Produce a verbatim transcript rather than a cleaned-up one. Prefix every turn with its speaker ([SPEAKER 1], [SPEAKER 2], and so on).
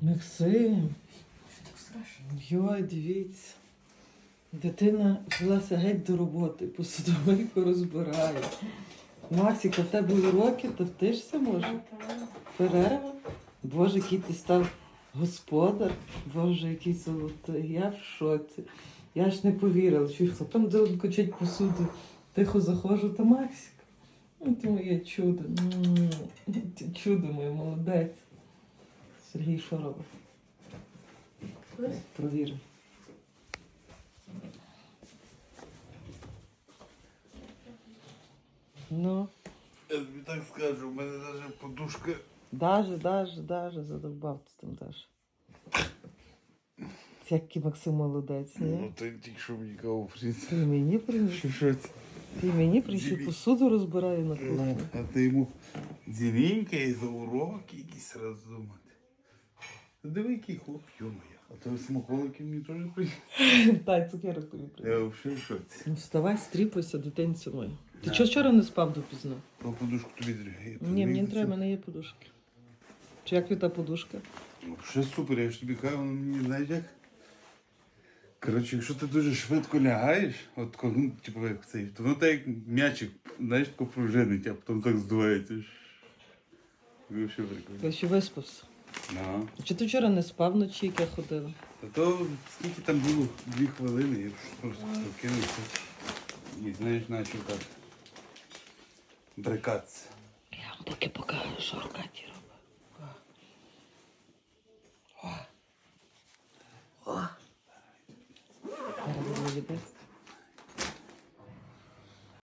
[SPEAKER 1] Максим,
[SPEAKER 2] Що так страшно?
[SPEAKER 1] йой, дивіться. Дитина взялася геть до роботи, посудовийку розбирає. Максіка, в тебе уроки, то втишся може? Перерва? Боже, який ти став господар. Боже, який золотий. Я в шоці. Я ж не повірила, що хто там де качать посуду. Тихо заходжу, та Максик. Ну, ти моє чудо. М, ти чудо моє, молодець. Сергій що робить? Провірив. Ну,
[SPEAKER 3] Я тобі так скажу, у мене навіть подушка.
[SPEAKER 1] даже, даже, даже, задовбав ти там даже. Який Максим молодець, ні?
[SPEAKER 3] Ну ти тільки що мені каву приніс.
[SPEAKER 1] Ти мені приніс?
[SPEAKER 3] Що що це?
[SPEAKER 1] Ти мені приніс
[SPEAKER 3] Диві-
[SPEAKER 1] посуду розбираю на
[SPEAKER 3] Ну,
[SPEAKER 1] кухні.
[SPEAKER 3] а ти йому дзвінка і за уроки якісь роздумати. Диви, який хлоп, йо-моє. А то смаколики мені теж приніс.
[SPEAKER 1] Тай, цукерок тобі приніс.
[SPEAKER 3] Я взагалі в шоці.
[SPEAKER 1] Ну вставай, стріпайся, дитинцю моя. Ти
[SPEAKER 3] Да.
[SPEAKER 1] чого вчора не спав допізно?
[SPEAKER 3] Ну, подушку тобі дрігає.
[SPEAKER 1] Ні, мені не треба, в мене є подушки. Чи як та подушка?
[SPEAKER 3] Ну, ще супер, я ж тобі кажу, воно мені, знаєш як? Коротше, якщо ти дуже швидко лягаєш, от коли, ну, типу, як цей, то воно так як м'ячик, знаєш, тако пружинить, а потім так здувається. Ви взагалі прикольно.
[SPEAKER 1] Я ще виспався.
[SPEAKER 3] Ага.
[SPEAKER 1] Чи ти вчора не спав вночі, як я ходила?
[SPEAKER 3] А то скільки там було? Дві хвилини, я просто прокинувся. І знаєш, почав так брикатися.
[SPEAKER 1] Я вам поки покажу, що Аркадій робить.